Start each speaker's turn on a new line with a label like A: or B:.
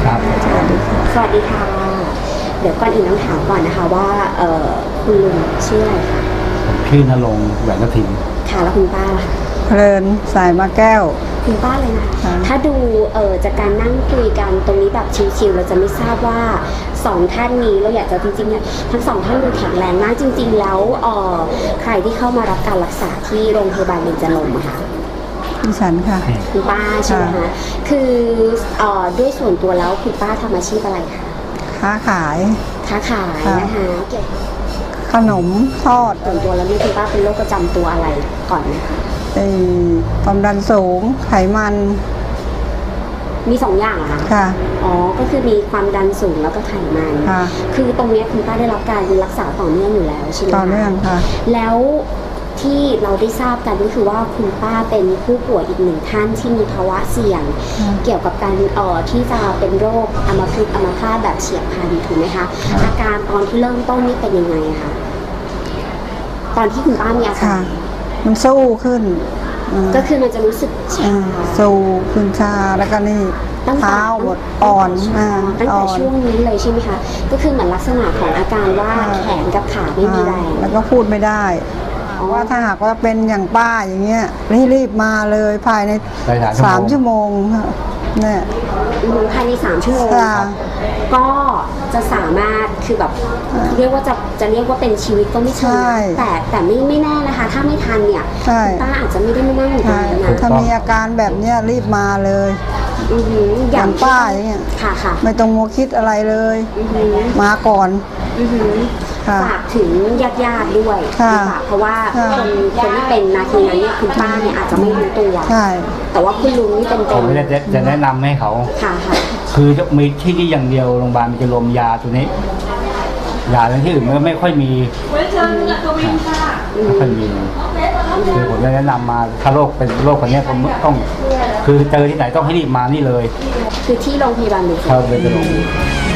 A: ครับ
B: สวัสดีค่ะเดี๋ยวก่อนอื่นต้องถามก่อนนะคะว่าคุณลุงชื่ออะไรคะ
A: ชื่อนรงค์แหวนกระถิ่น
B: ค่ะแล้วคุณป้าล่ะคะ
C: เพลินสายมาแก้ว
B: คุณป้าเลยนะถ้าดูจากการนั่งคุยกันตรงนี้แบบชิวๆเราจะไม่ทราบว่าสองท่านนี้เราอยากจะจริงๆเนี่ยทั้งสองท่านดูแข็งแรงมากจริงๆแล้วใครที่เข้ามารับการรักษาที่โรงพยาบาลเบญจรงค์อะคะ
C: ดิฉันค่ะ
B: คุณป้าใช่ไหมคะคือด้วยส่วนตัวแล้วคุณป้าทำอาชีพอะไรคะ
C: ค้าขาย
B: นะคะเกี่ยวกับ
C: ขนมทอด
B: ส่วนตัวแล้วนี่คุณป้าเป็นโรคประจำตัวอะไรก่อนนะคะ
C: ความดันสูงไขมัน
B: มี2 อย่างเหรอคะ
C: ค่ะ
B: อ๋อก็คือมีความดันสูงแล้วก็ไขมัน
C: ค่ะ
B: คือตรงนี้คุณป้าได้รับการรักษาต่อเนื่องอยู่แล้วใช่ไหมคะ
C: ต่อเนื่องค่ะ
B: แล้วที่เราได้ทราบกันก็คือว่าคุณป้าเป็นผู้ป่วยอีก1 ท่านที่มีภาวะเสี่ยงเกี่ยวกับการที่จะเป็นโรคอัมพาตแบบเฉียบพลันถูกไหมคะอาการตอนที่เริ่มต้นนี่เป็นยังไงคะตอนที่คุณป้ามีอาการ
C: มันสู้ขึ้น
B: ก็คือมันจะรู้สึกชา
C: สู้ขึ้นชาแล้วก็นี่เท้าบดอ่อน
B: ตั้งแต่ช่วงนี้เลยใช่ไหมคะก็คือเหมือนลักษณะของอาการว่าแขนกับขาไม่มีแรง
C: แล้วก็พูดไม่ได้ว่าถ้าหากว่าเป็นอย่างป้าอย่างเงี้ยรีบมาเลยภายใน3 ชั่วโมงเนี่ย
B: ภายใน3 ชั่วโมงก็จะสามารถคือแบบเรียกว่าจะเรียกว่าเป็นชีวิตก็ไม่ใช่แต่ไม่แน่นะคะถ้าไม่ทันเนี่ยป้าอาจจะไม่ได้มานั่งอยู่ตรงนี้นะ
C: ถ้ามีอาการแบบเนี้ยรีบมาเลยอย่างป้าอย่างเงี้ย
B: ค่ะ
C: ไม่ต้องมัวคิดอะไรเลยมาก่อน
B: ฝากถึงญาติด้วยเพราะว่าคนที่เป็นนาทีนั้นเนี่ยคุณป้าเนี่ยอาจจะไม่รู้ตัวแต่ว่าคุณลุงนี่เป็น
A: ผมจะแนะนำให้เขาคือจะมีที่นี่อย่างเดียวโรงพยาบาลมันจะรวมยาตัวนี้ยาที่อื่นมันก็ไม่ค่อยมีไม่ค่อยมีคือผมจะแนะนำมาถ้าโรคเป็นโรคคนนี้ผมต้องคือเจอที่ไหนต้องให้รีบมานี่เลย
B: คือที่โรงพยาบาลเบญจรงค์